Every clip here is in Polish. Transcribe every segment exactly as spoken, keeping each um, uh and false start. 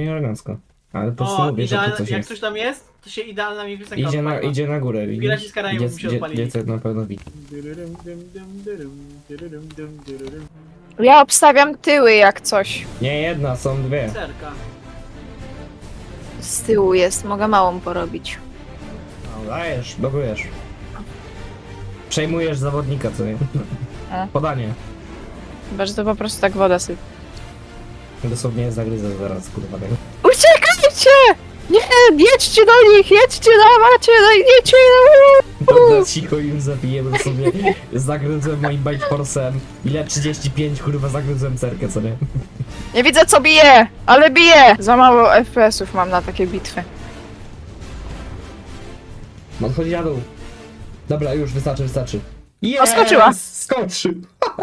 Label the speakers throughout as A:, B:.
A: i elegancko. Ale po prostu
B: O,
A: mówię, że tu
B: idealna,
A: coś
B: jak
A: jest.
B: coś tam jest, to się idealna mi piosenka
A: Idzie na,
B: odpaliła.
A: idzie na górę,
B: Piraci
A: widzisz?
B: z Karaibów
A: Dziec,
B: mi się
A: dzie,
B: odpalili.
A: dziecek na pewno widzi.
C: Ja obstawiam tyły jak coś.
A: Nie jedna, są dwie.
B: Serka.
C: Z tyłu jest, mogę małą porobić.
A: No, dajesz, blokujesz. Przejmujesz zawodnika, co nie?
C: A.
A: Podanie.
C: Chyba, że to po prostu tak woda sypie.
A: Dosłownie zagryzę zaraz, kurwa. tego.
C: Uciekajcie! Nie, jedźcie do nich, jedźcie, dawajcie, jedźcie!
A: Dobra, cicho już zabiję, bo sobie zagryzłem moim Bike Force'em. Ile? trzydzieści pięć, kurwa, zagryzłem cerkę, co nie?
C: Nie widzę co bije, ale bije! Za mało F P S-ów mam na takie bitwy.
A: Odchodzi na dół. Dobra, już wystarczy, wystarczy. Yes!
C: O, skoczyła.
A: Skoczył!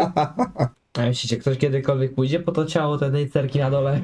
A: A myślicie, ktoś kiedykolwiek pójdzie po to ciało tej cerki na dole?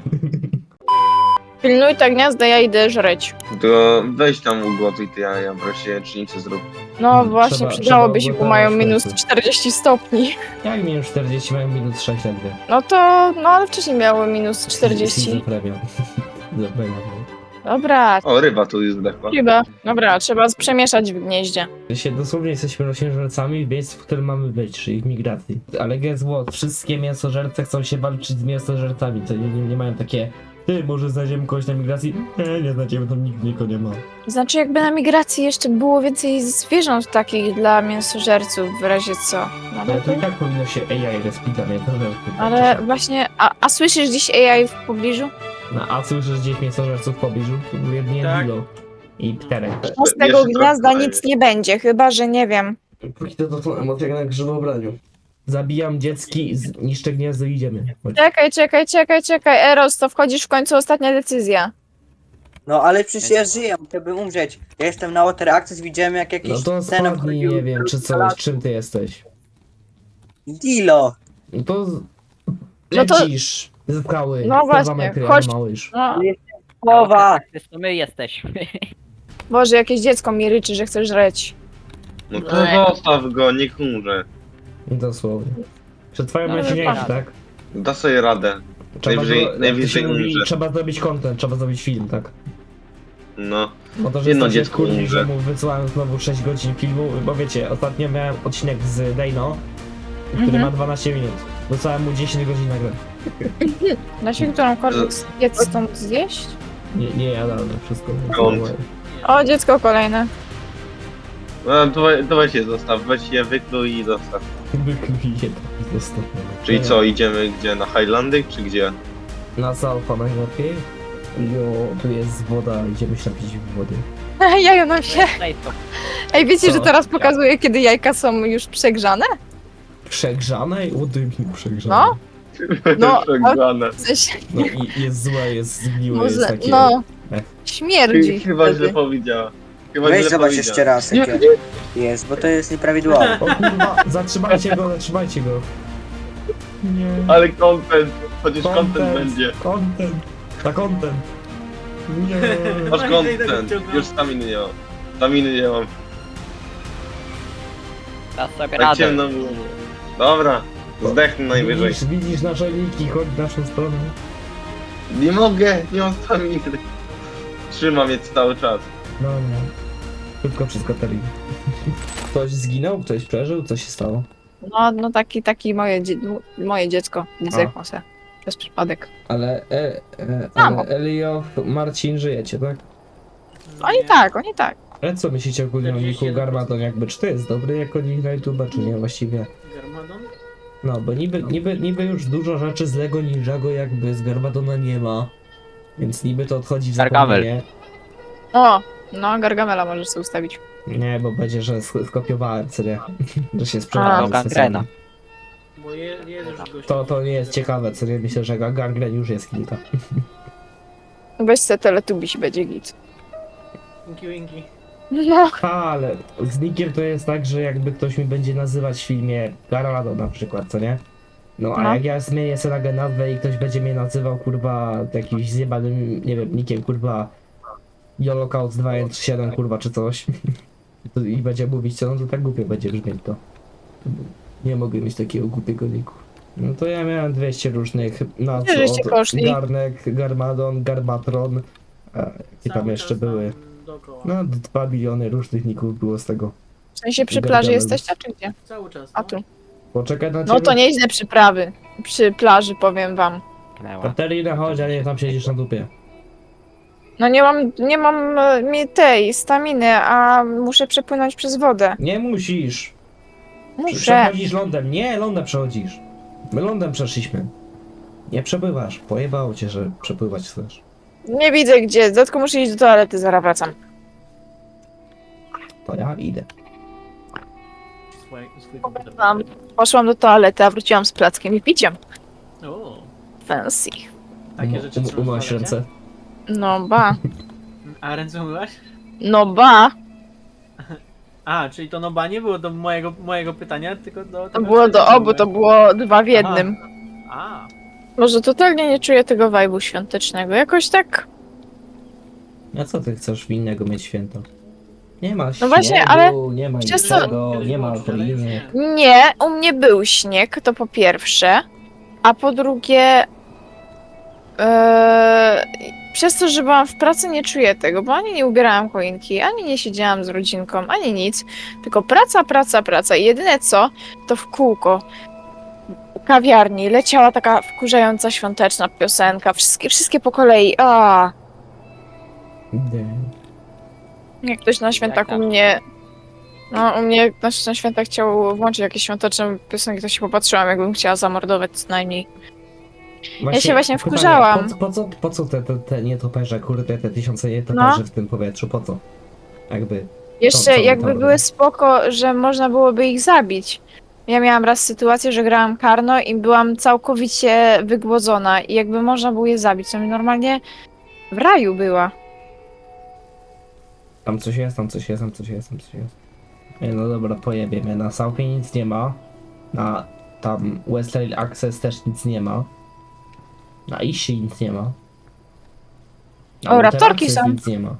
C: Pilnuj te gniazda, ja idę żreć.
D: To weź tam ugotuj te jaja, wreszcie cznicę zrób.
C: No właśnie,
A: Trzeba-
C: przydałoby
A: trzeba
C: się, bo mają
A: ugotować
C: minus
A: w końcu.
C: czterdzieści stopni.
A: Jak minus czterdzieści, mają minus sześć ledwie.
C: No to, no ale wcześniej miały minus czterdzieści.
A: Season premium. Za premium.
C: Dobra,
D: O, ryba tu już zdechła.
C: chyba. Dobra, trzeba przemieszać w gnieździe.
A: Się dosłownie jesteśmy roślinożercami w miejscu, w którym mamy być, czyli w migracji. Ale guess what? Wszystkie mięsożerce chcą się walczyć z mięsożercami, to nie, nie, nie mają takie ty, może znajdziemy kogoś na migracji? Nie, nie znajdziemy, tam nikt nikogo nie ma.
C: Znaczy jakby na migracji jeszcze było więcej zwierząt takich dla mięsożerców w razie co. No,
A: Ale
C: ale,
A: to i
C: to,
A: tak powinno się A I respita, nie? To że-
C: ale właśnie, a, a słyszysz gdzieś A I w pobliżu?
A: No, a słyszysz gdzieś mięsożerców w pobliżu? To był jedynie
B: Tak.
A: Dilo i Pterek.
C: No z tego
D: Jeszcze
C: gniazda
D: trochę
C: nic nie będzie, chyba że nie wiem.
A: Póki to to są emocje jak na grzybobraniu. Zabijam dziecki, z- niszczę gniazdo i idziemy. Chodź.
C: Czekaj, czekaj, czekaj, czekaj, Eros, to wchodzisz w końcu ostatnia decyzja.
E: No ale przecież ja żyję, chciałbym umrzeć. Ja jestem na Water Access, widziałem jak jakiś
A: No to
E: scenem
A: spadnij,
E: chodził-
A: nie wiem, czy coś, czym ty jesteś.
E: Dilo!
A: No to z-
C: No to-
A: lecisz z skały,
C: No
A: z dwa
C: właśnie,
A: metry,
C: chodź.
A: jak małyż.
C: No,
E: Połowa!
F: To my jesteśmy.
C: Boże, jakieś dziecko mi ryczy, że chcesz żreć.
D: No to zostaw go, niech umrze.
A: Dosłownie. Przetrwają
F: No,
A: najsilniejsi,
F: tak.
A: tak?
D: Da sobie radę.
A: Trzeba,
D: Najwyżej-
A: zro- jak
D: najwyżej
A: to się mówi,
D: umrze.
A: trzeba zrobić content, trzeba zrobić film, tak?
D: No.
A: Bo to, że
D: Jedno
A: jestem się
D: dziecko
A: kurwi,
D: umrze.
A: że mu wysyłałem znowu sześć godzin filmu, bo wiecie, ostatnio miałem odcinek z Dejno, który
C: Mhm.
A: ma dwanaście minut. Wysłałem mu dziesięć godzin nagle.
C: Da się którąkolwiek spiec stąd zjeść?
A: Nie, nie jadalne wszystko.
D: Skąd?
C: O, dziecko kolejne.
D: No to, we- to weź je zostaw, weź je wykluj i zostaw.
A: Wykluję to dostępne.
D: Czyli co, idziemy gdzie? Na Highlandy czy gdzie?
A: Na Salfa najlepiej. Jo, tu jest woda, idziemy się napić wody.
C: Jajo nam się. Ej, wiecie,
A: Co?
C: że teraz pokazuje, kiedy jajka są już przegrzane?
A: Przegrzanej? O dymi przegrzane.
C: No. No,
D: Przegrane.
C: W sensie,
A: No i jest złe, jest zgniłe, jest
C: może,
A: takie...
C: no,
A: Ech.
C: śmierdzi.
D: Chyba
C: wtedy.
D: źle powiedziała. Chyba
E: Weź
D: źle
E: zobacz
D: powiedziała.
E: jeszcze raz
D: Nie,
E: jakie jest, bo to jest nieprawidłowe.
A: O kurwa, zatrzymajcie go, zatrzymajcie go. Nie.
D: Ale content, chociaż content będzie.
A: Content. Na content. Nie.
D: Masz
B: No i idę tego
D: content,
B: wciągnąć.
D: już staminy nie mam. Staminy nie mam.
F: Da sobie
D: Tak
F: radę.
D: ciemno było. Dobra, zdechnę najwyżej.
A: Widzisz, widzisz nasze linki, chodź w naszą stronę.
D: Nie mogę, nie mam staminy. Trzymam je cały czas.
A: No nie. Szybko wszystko teli. Ktoś zginął? Ktoś przeżył? Co się stało?
C: No, no taki, taki moje, dzie moje dziecko zdechło se. Przez przypadek.
A: Ale, e, e,
C: Mamo.
A: ale Elio, Marcin, żyjecie, tak?
C: Oni tak, oni tak.
A: Ale co myślicie ogólnie o Niku Garmadon? Jakby, czy to jest dobry jako nick na YouTube'a, czy nie właściwie?
B: Garmadon?
A: No, bo niby, niby, niby już dużo rzeczy z Lego Ninjago jakby z Garmadona nie ma. Więc niby to odchodzi w
F: Gargamel.
A: zapomnienie.
C: O, no, Gargamela możesz sobie ustawić.
A: Nie, bo będzie, że sk- skopiowałem, co nie? Że się
C: A,
A: sprzedałem.
F: no, gangrena.
B: Bo je, jest już gość.
A: To, to nie jest ciekawe, co nie? Myślę, że ga- gangren już jest kilka.
C: Weź se teletubiś, będzie git.
B: Winki, winki.
C: No,
A: A, ale z nickiem to jest tak, że jakby ktoś mi będzie nazywać w filmie Garlado na przykład, co nie? No a
C: No.
A: jak ja zmienię sobie nagle nazwę i ktoś będzie mnie nazywał kurwa jakimś zjebanym, nie wiem, nickiem kurwa Holocaust dwa jeden trzy siedem kurwa czy coś to, i będzie mówić co, no to tak głupio będzie brzmieć to. Nie mogę mieć takiego głupiego niku. No to ja miałem dwieście różnych nazw,
C: Gdzie żeście
A: od
C: poszli?
A: Garnek, Garmadon, Garmatron, a jakie tam
B: Cały
A: jeszcze
B: czas tam
A: były.
B: Dookoła.
A: No, dwa biliony różnych ników było z tego.
C: W sensie przy
A: Gargamel.
C: plaży jesteście, czy gdzie?
B: Cały czas.
C: A
B: no.
C: tu.
A: Poczekaj na ciebie.
C: No to nieźle przyprawy. Przy plaży, powiem wam.
A: Katerina, chodź, a nie tam siedzisz na dupie.
C: No nie mam, nie mam e, mi tej staminy, a muszę przepłynąć przez wodę.
A: Nie musisz.
C: Muszę.
A: Przechodzisz lądem. Nie, lądem przechodzisz. My lądem przeszliśmy. Nie przepływasz. Pojebało cię, że przepływać chcesz.
C: Nie widzę gdzie, tylko muszę iść do toalety, zaraz wracam.
A: To ja idę.
B: Swój, swój
C: Powiem
B: komputer.
C: wam, poszłam do toalety, a wróciłam z plackiem i piciem.
B: O,
C: Fancy.
B: takie rzeczy
A: Um,
B: trzeba
A: Umyłaś
B: zbadać,
A: ręce.
C: No ba.
B: nie? A ręce umyłaś?
C: No ba.
B: A, czyli to noba nie było do mojego, mojego pytania, tylko do...
C: To
B: tego,
C: było
B: czy
C: do
B: ręce
C: obu, to
B: umyłaś.
C: było dwa w jednym.
B: A,
C: Może totalnie nie czuję tego vibe'u świątecznego. Jakoś tak.
A: A co ty chcesz w innego mieć święto? Nie ma śniegu,
C: No właśnie, ale
A: nie ma
C: przez co-
A: niczego,
B: kiedyś
A: nie ma
B: było, ale już
A: alkoholiny.
B: nie.
C: nie, u mnie był śnieg, to po pierwsze. A po drugie. e, przez to, że byłam w pracy, nie czuję tego, bo ani nie ubierałam choinki, ani nie siedziałam z rodzinką, ani nic. Tylko praca, praca, praca. I jedyne co, to w kółko. U kawiarni leciała taka wkurzająca świąteczna piosenka. Wszystkie, wszystkie po kolei. A,
A: Nie.
C: jak ktoś na świętach u
E: tam?
C: mnie. No, u mnie ktoś na świętach chciał włączyć jakieś świąteczne piosenki, to się popatrzyłam, jakbym chciała zamordować co najmniej. się właśnie
A: pytanie,
C: wkurzałam.
A: Po, po co, po co te, te, te nietoperze, kurde, te tysiące nietoperzy
C: No.
A: w tym powietrzu, po co? Jakby,
C: Jeszcze
A: co by
C: jakby
A: tam
C: były
A: robić?
C: spoko, że można byłoby ich zabić. Ja miałam raz sytuację, że grałam karno i byłam całkowicie wygłodzona i jakby można było je zabić, to mi normalnie w raju była.
A: tam coś jest, tam coś jest, tam coś jest, tam coś jest. Ej, no dobra, pojebiemy, na Southie nic nie ma, na tam West Rail Access też nic nie ma, na Ishi nic nie ma. Na
C: O,
A: Water
C: raptorki
A: Access
C: są.
A: nic nie ma.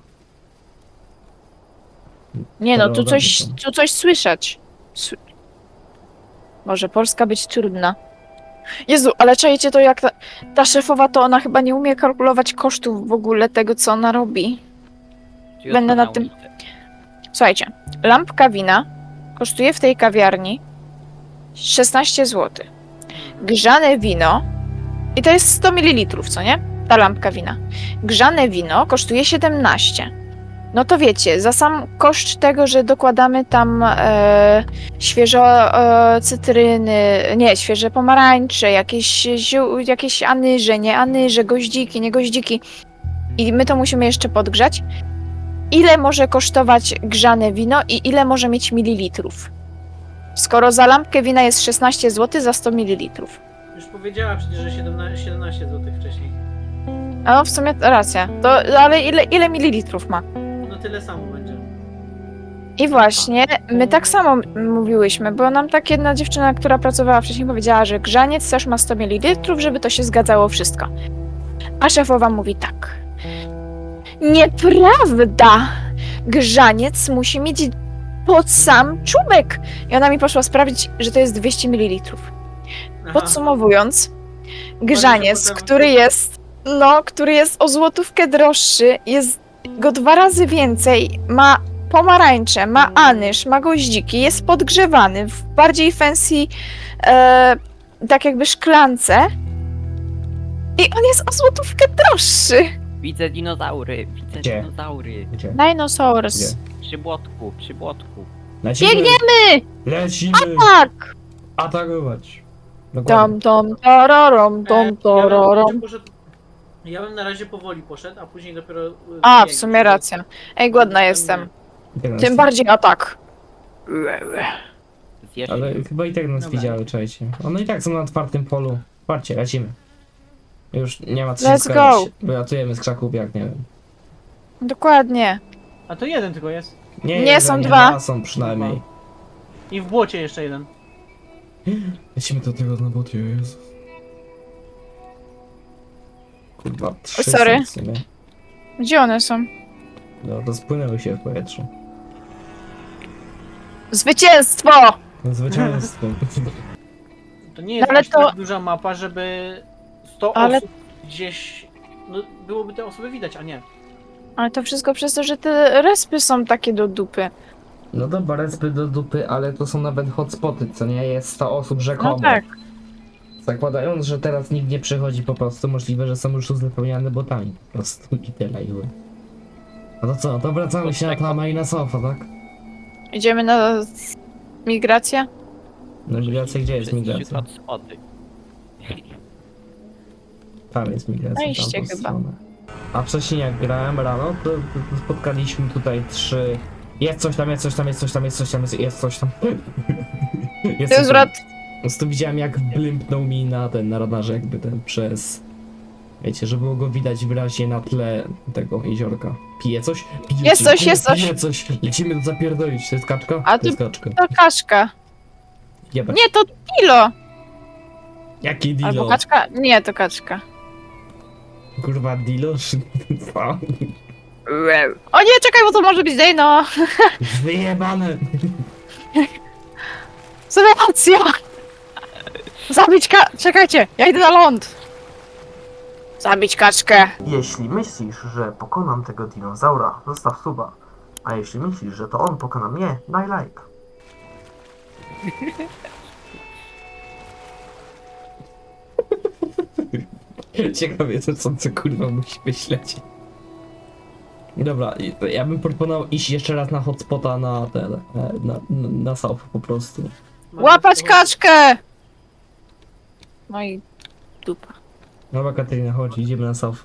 C: Nie no, tu
A: Terrorowi
C: coś,
A: są.
C: tu coś słyszeć. Sły- Może Polska być trudna. Jezu, ale czajcie to jak ta, ta szefowa, to ona chyba nie umie kalkulować kosztów w ogóle tego, co ona robi. Będę nad tym- Słuchajcie, lampka wina kosztuje w tej kawiarni szesnaście złotych. Grzane wino, i to jest sto mililitrów, co nie? Ta lampka wina. Grzane wino kosztuje siedemnaście. No to wiecie, za sam koszt tego, że dokładamy tam e, świeżo e, cytryny, nie, świeże pomarańcze, jakieś, ziół, jakieś anyże, nie anyże, goździki, nie goździki i my to musimy jeszcze podgrzać. Ile może kosztować grzane wino i ile może mieć mililitrów? Skoro za lampkę wina jest szesnaście złotych za sto mililitrów.
B: już powiedziała przecież, że siedemnaście, siedemnaście złotych wcześniej.
C: A no w sumie racja. To, ale ile, ile mililitrów ma?
B: No tyle samo będzie.
C: I właśnie, my tak samo m- mówiłyśmy, bo nam tak jedna dziewczyna, która pracowała wcześniej, powiedziała, że grzaniec też ma sto mililitrów, żeby to się zgadzało wszystko. A szefowa mówi tak. Nieprawda! Grzaniec musi mieć pod sam czubek. I ona mi poszła sprawdzić, że to jest dwieście mililitrów.
B: Aha.
C: Podsumowując, grzaniec,
B: potem-
C: który jest, no, który jest o złotówkę droższy, jest go dwa razy więcej, ma pomarańcze, ma anyż, ma goździki, jest podgrzewany w bardziej fancy, e, tak jakby szklance i on jest o złotówkę droższy.
F: Widzę dinozaury, widzę
A: Gdzie?
F: dinozaury.
A: Gdzie?
C: Dinosaurs.
A: Gdzie?
F: Przy błotku, przy błotku.
A: Lecimy!
C: Biegniemy!
A: Lecimy!
C: Tak!
A: Atakować! Dokładnie.
C: Tom, tom, tororom,
B: E,
C: tom,
B: ja, bym
C: tororom.
B: raczej poszedł, ja bym na razie powoli poszedł, a później dopiero... e,
C: A, w
B: biegł,
C: sumie
B: żeby-
C: racja. Ej, głodna
B: żeby-
C: jestem.
A: I tak nas-
C: Tym bardziej atak.
F: Zjesz
A: Ale
F: ich.
A: chyba i tak nas
B: Dobra.
A: widziały, czajcie. One i tak są na otwartym polu. Patrzcie, lecimy. Już nie ma co
C: Let's
A: się
C: go.
A: skradać. Wylatujemy z krzaków jak nie wiem.
C: Dokładnie.
B: A to jeden tylko jest.
C: Nie,
A: jeden,
C: są
A: nie,
C: dwa.
A: są przynajmniej.
B: I w błocie jeszcze jeden.
A: Lecimy do tego na bocie, Jezus. Kurwa, trzy
C: sorry.
A: są w sumie.
C: Gdzie one są?
A: No, rozpłynęły się w powietrzu.
C: Zwycięstwo!
A: No, zwycięstwo.
B: To nie jest
C: No ale
B: aż
C: to-
B: tak duża mapa, żeby sto
C: Ale-
B: osób gdzieś... No, byłoby te osoby widać, a nie.
C: Ale to wszystko przez to, że te respy są takie do dupy.
A: No dobra, respy do dupy, ale to są nawet hotspoty, co nie? Jest sto osób rzekomo.
C: No tak.
A: Zakładając, że teraz nikt nie przychodzi po prostu, możliwe, że są już uzupełniane botami. Po prostu i tyle i ły. No to co, to wracamy się na tamę i na sofa, tak?
C: Idziemy na migrację?
A: No migracja, gdzie jest migracja?
F: Spody.
A: Tam jest migracja,
C: Wejście
A: tamtą
C: chyba.
A: stronę. A wcześniej jak grałem rano, to, to, to spotkaliśmy tutaj trzy... Jest coś tam, jest coś tam, jest coś tam, jest coś tam, jest, jest coś tam. Jest
C: To
A: coś
C: jest
A: tam.
C: wrat.
A: Po prostu widziałem jak blimpnął mi na ten, na radarze jakby ten przez... Wiecie, że było go widać wyraźnie na tle tego jeziorka. Pije coś? Pije
C: Jest coś, jest coś.
A: Pije coś. Lecimy to zapierdolić. To jest kaczka?
C: A
A: to jest kaczka.
C: To kaczka.
A: Jebać.
C: Nie, to Dilo.
A: Jaki dilo?
C: Albo kaczka? Nie, to kaczka.
A: Kurwa dilo? Co?
C: O nie, czekaj, bo to może być Dejno.
A: Wyjebane!
C: Sytuacja! Zabić ka... Czekajcie, ja idę na ląd. Zabić kaczkę.
A: Jeśli myślisz, że pokonam tego dinozaura, zostaw suba. A jeśli myślisz, że to on pokona mnie, daj like. Ciekawie to co, co kurwa musi myśleć. Dobra, i- ja bym proponował iść jeszcze raz na hotspota na ten, e, na, na, na south po prostu.
C: Łapać kaczkę! No i dupa.
A: Dobra Katarina, chodź, idziemy na south.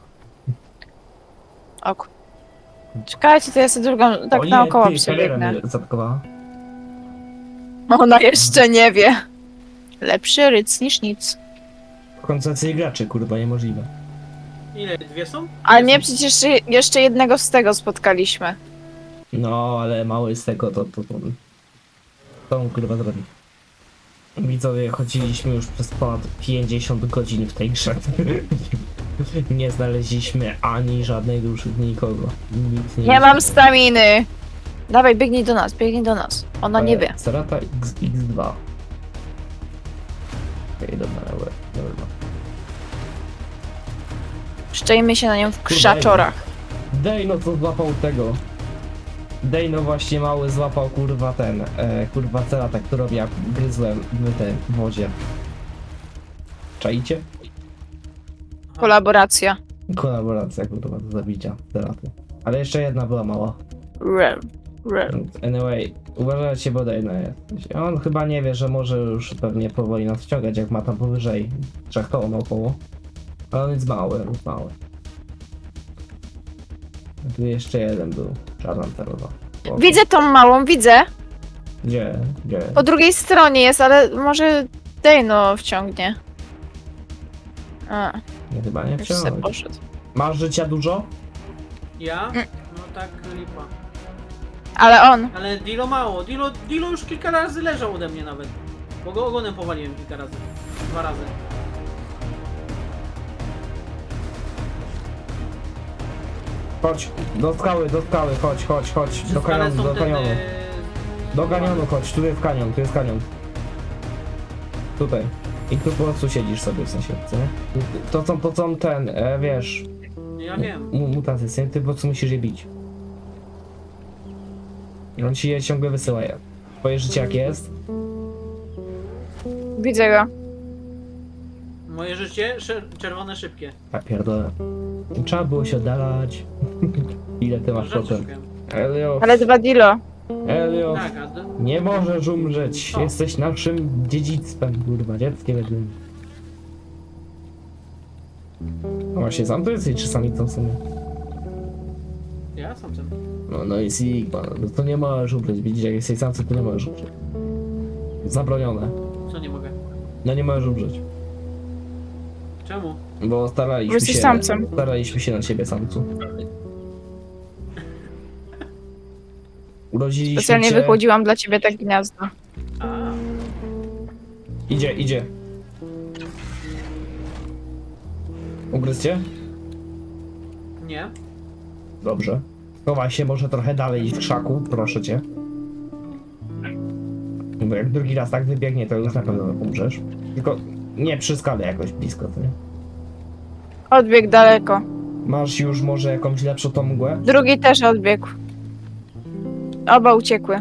C: Ok. Czekajcie, to ja sobie drugą tak
A: O nie,
C: naokoło
A: ty, kamera
C: przebiegnę.
A: mnie zaatakowała.
C: Ona jeszcze nie wie. Lepszy ryc niż nic.
A: W końcu jacyś graczy, kurwa, niemożliwe.
B: Ile? Dwie są?
C: Ale
B: Dwie
C: nie,
B: są.
C: przecież jeszcze, jeszcze jednego z tego spotkaliśmy.
A: No, ale mały z tego to to to, to on kurwa zrobi. Widzowie, chodziliśmy już przez ponad pięćdziesiąt godzin w tej grze. Nie znaleźliśmy ani żadnej duszy, nikogo. Nic nie
C: Nie mam staminy. Dawaj, biegnij do nas, biegnij do nas. Ona nie wie.
A: Serata X dwa. Okej, dobra, dobra, dobra.
C: Szczejmy się na nią w krzaczorach.
A: Dejno co złapał tego. Dejno właśnie mały złapał kurwa ten, e, kurwa cerata, którą ja gryzłem w tej wodzie. Czaicie?
C: Kolaboracja.
A: Kolaboracja kurwa do zabicia ceraty. Ale jeszcze jedna była mała.
C: Rel. Rel.
A: Anyway, uważajcie, bo Dejno jest. On chyba nie wie, że może już pewnie powoli nas wciągać, jak ma tam powyżej trzech ton około. Ale on jest mały, jest mały. Tu jeszcze jeden był. Czarna cerowa. O,
C: Widzę tą małą, widzę.
A: Gdzie? Gdzie?
C: Po drugiej stronie jest, ale może Dejno wciągnie. A,
A: Nie, chyba nie
C: już se
A: wciągnąć.
C: poszedł.
A: Masz życia dużo?
B: Ja?
C: Mm.
B: No tak, lipa.
C: Ale on.
B: Ale Dilo mało. Dilo, Dilo już kilka razy leżał ode mnie nawet. Bo go ogonem powaliłem kilka razy. Dwa razy.
A: Chodź, do skały, do skały, chodź, chodź, chodź.
B: Przy
A: Do
B: skale
A: kanionu,
B: są
A: do
B: te,
A: kanionu.
B: e,
A: Do kanionu chodź, tu jest kanion, tu jest kanion. Tutaj. I tu po prostu siedzisz sobie w sensie, co nie? To są, to są ten, e, wiesz,
B: Ja wiem.
A: mu- mutacje, co nie? Ty po prostu musisz je bić. I on ci je ciągle wysyła je. Twoje życie jak jest?
C: Widzę go.
B: Moje życie sze- czerwone szybkie.
A: A pierdolę. Trzeba było się oddalać. Ile ty masz
B: Rzeczy
A: procent?
B: szukam.
A: Elio,
C: Ale dwa Dilo.
A: Elio,
B: Tak, a do...
A: nie możesz umrzeć.
B: O.
A: Jesteś naszym dziedzictwem, kurwa, dzieckiem jednym. No właśnie, sam to jesteś, czy sami to w sumie?
B: Ja sam chcę.
A: No, no i Sigma, no to nie możesz umrzeć. Widzisz, jak jesteś samcem, to nie możesz umrzeć. Zabronione.
B: Co nie mogę?
A: No nie możesz umrzeć.
B: Czemu?
A: Bo staraliśmy
C: Bo jesteś
A: się...
C: samcem.
A: Staraliśmy się na ciebie, samcu. Urodziliśmy
C: Specjalnie
A: cię...
C: wychłodziłam dla ciebie tak gniazdo.
B: A,
A: Idzie, idzie. Ugryzcie?
B: nie.
A: Dobrze. Chowaj się może trochę dalej w krzaku, proszę cię. Bo jak drugi raz tak wybiegnie, to już na pewno umrzesz. Tylko nie przy skale jakoś blisko, to nie?
C: Odbiegł daleko.
A: Masz już może jakąś lepszą tą mgłę?
C: Drugi też odbiegł. Oba uciekły.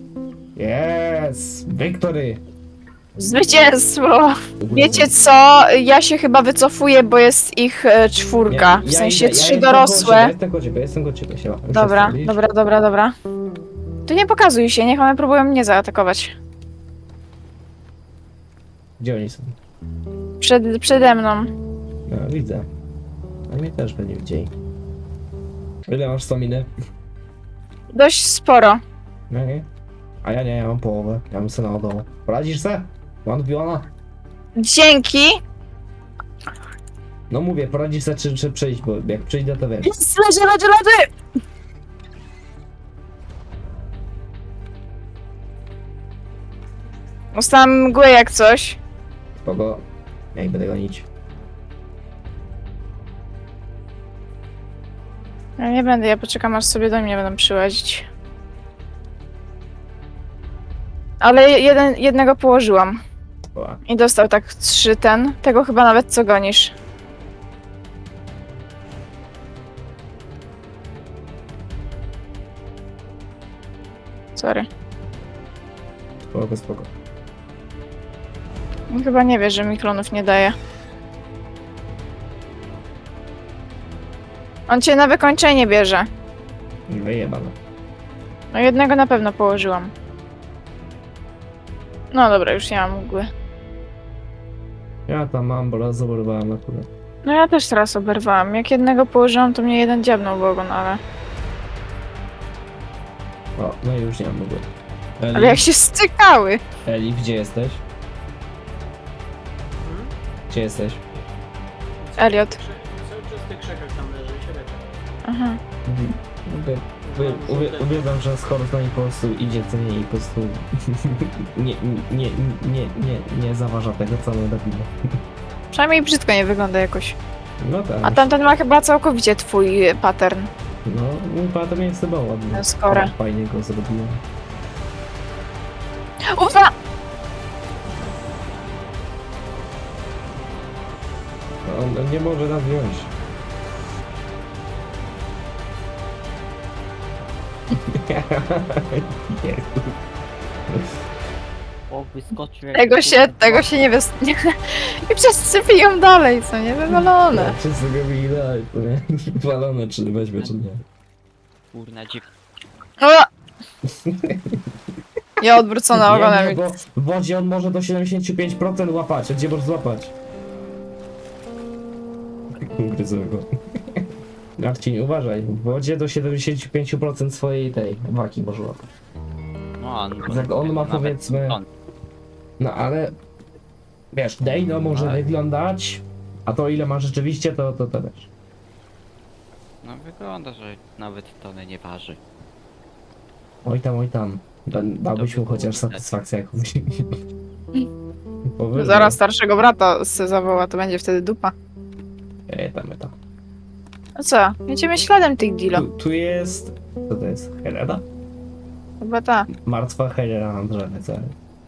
A: Jest! Wiktory!
C: Zwycięstwo! Wiecie co? Ja się chyba wycofuję, bo jest ich e, czwórka. W sensie trzy
A: jestem
C: dorosłe.
A: Koło jestem koło ciebie, jestem koło ciebie, siema. Już
C: Dobra,
A: jestem, widzisz?
C: dobra, dobra, dobra. Tu nie pokazuj się, niech one próbują mnie zaatakować.
A: Gdzie oni są?
C: Przed, przede mną.
A: No, widzę. A mnie też będzie widzieli. Ile masz staminy?
C: Dość sporo.
A: No nie? A ja nie, ja mam połowę. Ja mam syna od domu. Poradzisz se? Mam wbiona?
C: Dzięki!
A: No mówię, poradzisz se czy, czy przyjść, bo jak przyjdę to wiesz.
C: Jest, leży, leży, leży! Dostałam mgłę jak coś.
A: Kogo? Ja ich będę gonić.
C: Ja nie będę, ja poczekam aż sobie do mnie będą przyłazić. Ale jeden, jednego położyłam.
A: O,
C: I dostał tak trzy ten. Tego chyba nawet co gonisz. Sorry.
A: spoko, spoko.
C: On chyba nie wie, że mi klonów nie daje. On cię na wykończenie bierze.
A: Wyjebane.
C: No jednego na pewno położyłam. No dobra, już nie mam mgły.
A: Ja tam mam, bo raz zaborowałem akurat.
C: No ja też teraz oberwałam. Jak jednego położyłam, to mnie jeden dziabnął w ogon, ale...
A: O, no i już nie mam mgły. Eli,
C: Ale jak się stykały!
A: Eli, gdzie jesteś?
B: Hmm?
A: Gdzie jesteś?
C: Elliot.
B: Cały czas w tych krzakach tam leży i się leczy.
C: Aha.
A: Uwie- uwie- uwie- Uwielbiam, że z Horston po prostu idzie co nie i po prostu nie, nie, nie, nie, nie zaważa tego, co my robimy.
C: Przynajmniej brzydko nie wygląda jakoś.
A: No tak.
C: A tamten ma chyba całkowicie twój pattern.
A: No, mój patem jest chyba ładny.
C: Ten skórę.
A: Ale fajnie go zrobiłem.
C: Ufa!
A: No, on, on nie może nas wziąć. Jezu.
F: O, wyskoczył jak
C: Tego się,
F: kurwa.
C: tego się nie wys... Nie. I wszyscy piją dalej, co nie? Wywalone.
A: Wszyscy go widać, to nie? Walone, czy weźmie, czy nie.
F: Kurna dziw...
C: O! Ja odwrócona
A: Nie,
C: ogonem.
A: nie, bo w wodzie on może do siedemdziesiąt pięć procent łapać, a gdzie możesz złapać? Gryzę go. Marcin, uważaj, w wodzie do siedemdziesiąt pięć procent swojej tej waki może łapać.
F: No, on,
A: Jak on ma,
F: nawet
A: powiedzmy-
F: on.
A: No ale wiesz, Dejno może
F: Ale-
A: wyglądać, a to ile ma rzeczywiście, to to, to wiesz.
F: No wygląda, że nawet tonę nie waży.
A: Oj tam, oj tam. Da, dałbyś mu chociaż satysfakcję jakąś. Powyżej.
C: Zaraz starszego brata se zawoła, to będzie wtedy dupa.
A: Ej, tam, ej, tam.
C: No co? Jedziemy śladem tych Dilo.
A: Tu, tu jest... Co to jest? Helena?
C: Chyba ta.
A: Martwa Helena na drzewie, co?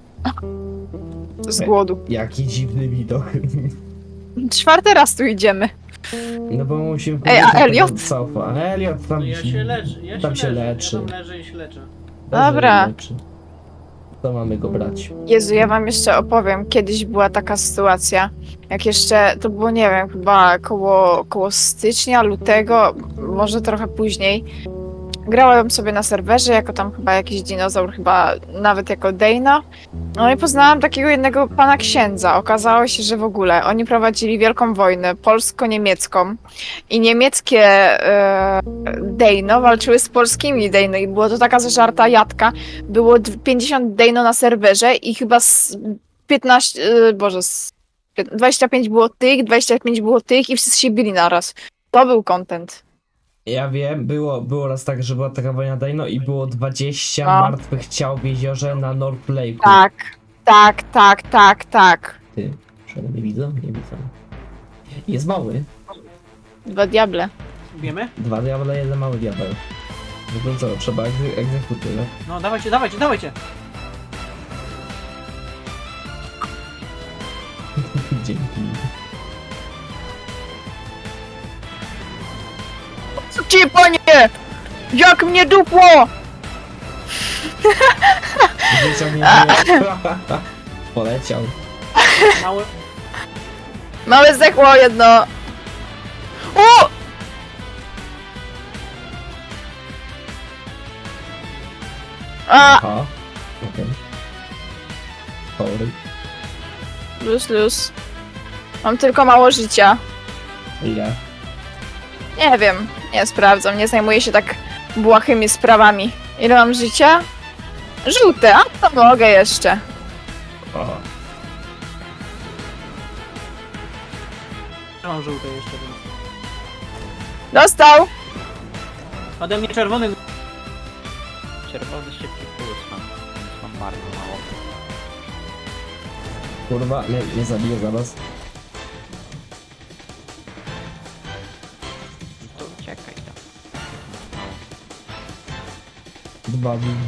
C: Z głodu.
A: Jaki dziwny widok.
C: Czwarty raz tu idziemy.
A: No bo musimy...
C: Ej, a
A: powiedzieć, że
C: Elliot?
A: to Sofa. A Elliot tam...
B: No ja się leczę, ja
A: tam
B: się,
A: się
B: leczę.
A: leczy.
B: Ja tam leżę i się leczę.
A: Dobrze,
C: Dobra.
A: leczy. To mamy go brać.
C: Jezu, ja wam jeszcze opowiem. Kiedyś była taka sytuacja, jak jeszcze, to było, nie wiem, chyba koło, koło stycznia, lutego, może trochę później. Grałem sobie na serwerze jako tam chyba jakiś dinozaur, chyba nawet jako Dejno. No i poznałam takiego jednego pana księdza. Okazało się, że w ogóle oni prowadzili wielką wojnę polsko-niemiecką i niemieckie e, Dejno walczyły z polskimi Dejno i było to taka zażarta jadka. Było d- pięćdziesiąt Dejno na serwerze i chyba z piętnaście, e, boże, z pię- dwadzieścia pięć było tych, dwadzieścia pięć było tych i wszyscy się bili naraz. To był content.
A: Ja wiem, było, było raz tak, że była taka wojna Dino i było dwadzieścia
C: No.
A: martwych ciał w jeziorze na North Lake'u.
C: Tak, tak, tak, tak, tak.
A: Ty, że nie widzę? Nie widzę. Jest mały.
C: Dwa diable.
B: Wiemy?
A: Dwa diable, jeden mały diabeł. No to co, trzeba egze egzekuty, no?
B: No dawajcie, dawajcie, dawajcie!
A: Dzięki.
C: Co ci, panie? Jak mnie dupło!
A: Wyciągnięcie. Poleciał.
B: Mały...
C: Małe zdechło jedno. O! A!
A: Aha. Okej. Sorry.
C: Luz, luz. Mam tylko mało życia.
A: Ile?
C: Nie wiem, nie sprawdzam, nie zajmuję się tak błahymi sprawami. Ile mam życia? Żółte, a to mogę jeszcze.
A: O.
B: Ja mam żółte jeszcze, więc...
C: Dostał!
B: Ode mnie czerwony...
F: Czerwony szybki puls mam, więc mam bardzo mało.
A: Kurwa, mnie, mnie zabiję zaraz.
F: No to uciekaj tam. Mało.
A: Dwa dni.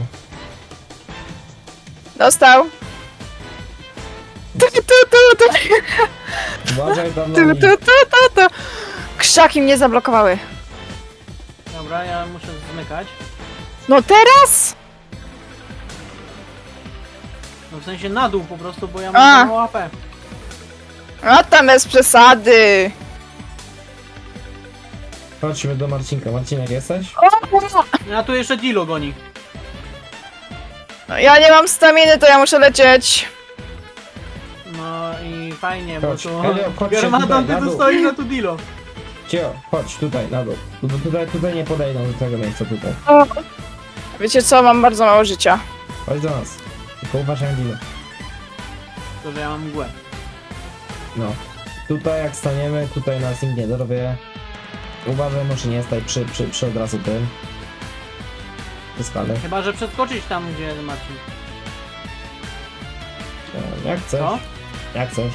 C: Dostał! Tu, tu, tu, tu,
A: Uważaj tam na
C: tu,
A: mnie.
C: tu, tu, tu, tu. Krzaki mnie zablokowały.
B: Dobra, ja muszę zmykać.
C: No teraz?
B: No w sensie na dół po prostu, bo ja
C: A.
B: mam mało A P.
C: A tam bez przesady.
A: Chodźmy do Marcinka. Marcinek jesteś?
B: No a tu jeszcze Dilo goni.
C: No, ja nie mam staminy, to ja muszę lecieć.
B: No i fajnie, bo
A: Chodź,
B: tu...
A: Elio, chodź się
B: Germatan,
A: tutaj,
B: ty
A: na
B: tu
A: dół.
B: stoisz, a tu Dilo.
A: Cio, chodź tutaj, na dół. Tu- Tutaj, tutaj nie podejdą do tego miejsca tutaj.
C: Wiecie co, mam bardzo mało życia.
A: Chodź do nas. Tylko uważaj na Dino.
B: To, że ja mam mgłę.
A: No. Tutaj jak staniemy, tutaj nas nikt nie dorwie. Uważaj, może nie stać przy, przy, przy od razu tym. Przy skale.
B: Chyba, że przeskoczyć tam, gdzie Marcin.
A: E, Jak chcesz.
B: Co?
A: Jak chcesz.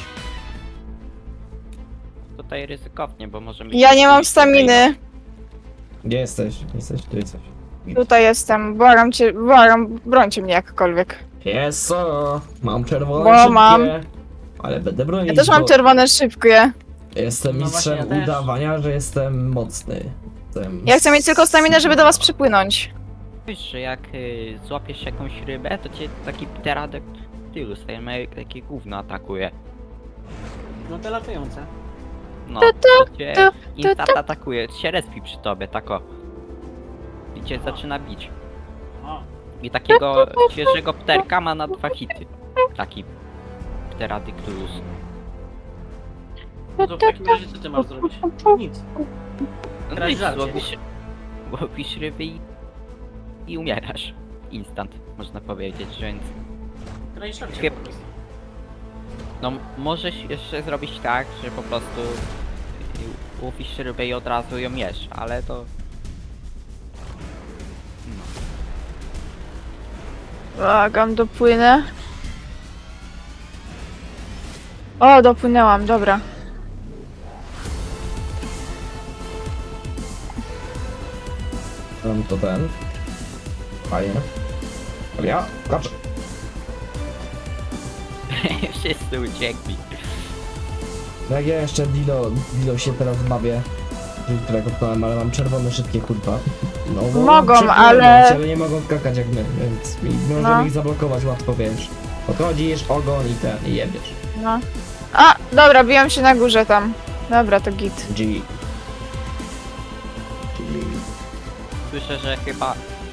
F: Tutaj ryzykownie, bo możemy...
C: Ja nie mam
F: się
C: staminy.
A: Gdzie jesteś? Jesteś, tu jesteś.
C: Tutaj jestem. Błagam cię, błagam, brońcie mnie jakkolwiek.
A: Jest co? Mam czerwone
C: Bo
A: szybkie.
C: mam.
A: Ale będę bronić,
C: Ja też mam
A: bo
C: czerwone szybkie.
A: Jestem
B: No właśnie,
A: mistrzem
B: ja też.
A: udawania, że jestem mocny. Jestem...
C: Ja chcę mieć tylko staminę, żeby do was przypłynąć.
F: Wiesz, że jak y, złapiesz jakąś rybę, to cię taki pteradek tylu staje, takie gówno atakuje.
B: No te latające.
F: No,
C: Tu, tu,
F: to cię
C: tu,
F: instant atakuje, się respi przy tobie, tako. I cię zaczyna bić.
B: O.
F: I takiego świeżego pterka ma na dwa hity. Taki pteradictus.
B: No to w takim razie co ty masz zrobić? Nic.
F: No
B: Grać
F: nic,
B: żarcie.
F: łowisz, łowisz ryby i, i umierasz. Instant, można powiedzieć, więc...
B: Graj szarcie
F: Chyb-
B: po prostu.
F: No, możesz jeszcze zrobić tak, że po prostu y, łowisz rybę i od razu ją jesz, ale to... No.
C: Błagam, dopłynę. O, dopłynęłam, dobra.
A: Mam to ten. Fajnie. Ale ja, kaczę.
F: Wszyscy uciekli.
A: Jak ja jeszcze Dilo, Dilo się teraz bawię. Którego ptałem, ale mam czerwone szybkie kurwa. No, bo
C: Mogą,
A: mam przepłynąć,
C: ale-
A: ale nie mogą skakać jak my, więc i możemy
C: No.
A: ich zablokować łatwo, wiesz. Podchodzisz, ogon i ten, i jebiesz.
C: No. A, dobra, biłam się na górze tam. Dobra, to git.
A: G. G.
F: Słyszę, że chyba...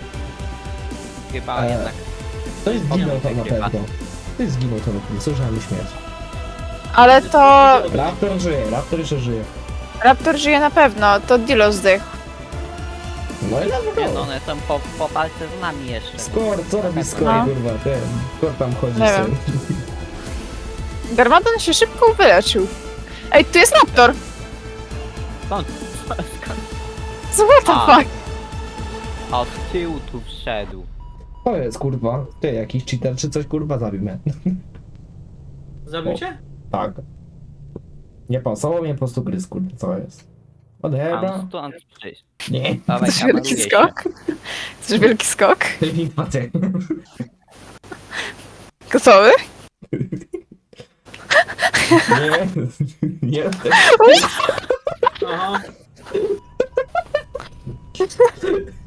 F: Chyba
A: E,
F: jednak...
A: Ktoś zginął tam na
F: Chyba.
A: pewno. Ktoś zginął tam na pewno, słyszałem śmierć.
C: Ale to...
A: Raptor żyje, Raptor jeszcze żyje.
C: Raptor żyje na pewno, to Dilo zdechł.
A: No i
F: Nie,
A: dlaczego?
F: no one są po, po walce z nami jeszcze.
A: Skor, co robi Skor,
C: No.
A: kurwa, ten, Skor tam chodzi
C: Nie
A: sobie.
C: wiem. Garmadon się szybko wyleczył. Ej, tu jest Raptor!
F: Skąd? Skąd?
C: Co what the
F: A.
C: fuck?
F: A od tyłu tu wszedł.
A: To jest, kurwa, ty, jakiś cheater czy coś, kurwa, zabił mnie.
B: Zabił cię?
A: Tak. Nie pasowało mnie po prostu gryz, kurwa, co jest?
F: A
A: Odebra?
F: no stąd przyjść.
A: Nie.
F: Dawaj,
C: Chcesz wielki
F: kameruję się.
C: skok? Chcesz wielki skok?
A: Filmik macie.
C: Gotowy?
A: Nie, nie,
B: Aha.